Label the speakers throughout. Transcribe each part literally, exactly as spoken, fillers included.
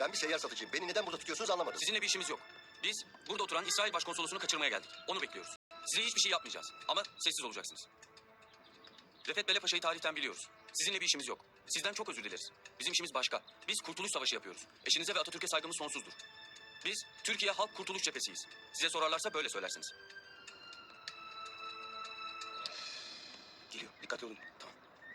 Speaker 1: Ben bir seyyar satıcıyım. Beni neden burada tutuyorsunuz anlamadım.
Speaker 2: Sizinle bir işimiz yok. Biz burada oturan İsrail Başkonsolosunu kaçırmaya geldik. Onu bekliyoruz. Size hiçbir şey yapmayacağız. Ama sessiz olacaksınız. Refet Bele Paşa'yı tarihten biliyoruz. Sizinle bir işimiz yok. Sizden çok özür dileriz. Bizim işimiz başka. Biz Kurtuluş Savaşı yapıyoruz. Eşinize ve Atatürk'e saygımız sonsuzdur. Biz Türkiye Halk Kurtuluş Cephesiyiz. Size sorarlarsa böyle söylersiniz. Geliyor. Dikkatli olun. Tamam.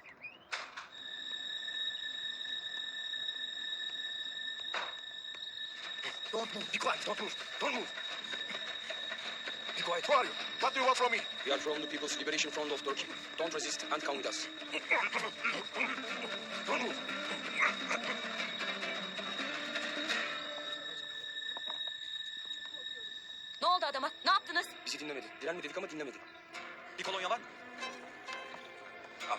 Speaker 1: Don't move. Be quiet. Don't move. Don't move.
Speaker 2: Be quiet.
Speaker 3: Who are you? What do you want from me?
Speaker 2: We are from the People's Liberation Front of Turkey. Don't resist and come with us.
Speaker 1: Don't move.
Speaker 4: Ne oldu adama? Ne yaptınız?
Speaker 2: Bizi dinlemedi. Direnme dedik ama dinlemedi. Bir kolonya var mı? Al.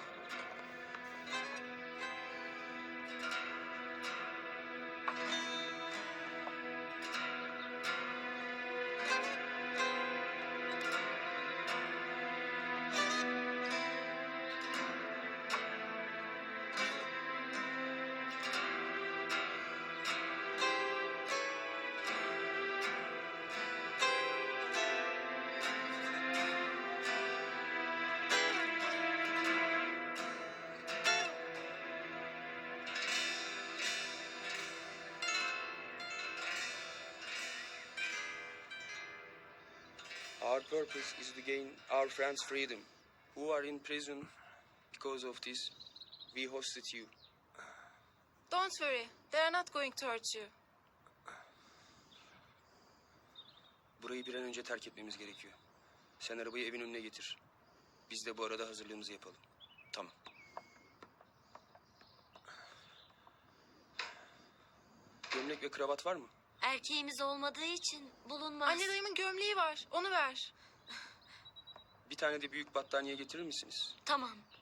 Speaker 2: Our purpose is to gain our friends' freedom, who are in prison because of this. We hosted you.
Speaker 5: Don't worry. They are not going to hurt you.
Speaker 2: Burayı bir an önce terk etmemiz gerekiyor. Sen arabayı evin önüne getir. Biz de bu arada hazırlığımızı yapalım. Tamam. Gömlek ve kravat var mı?
Speaker 4: Erkeğimiz olmadığı için bulunmaz.
Speaker 5: Anne dayımın gömleği var. Onu ver.
Speaker 2: Bir tane de büyük battaniye getirir misiniz?
Speaker 4: Tamam.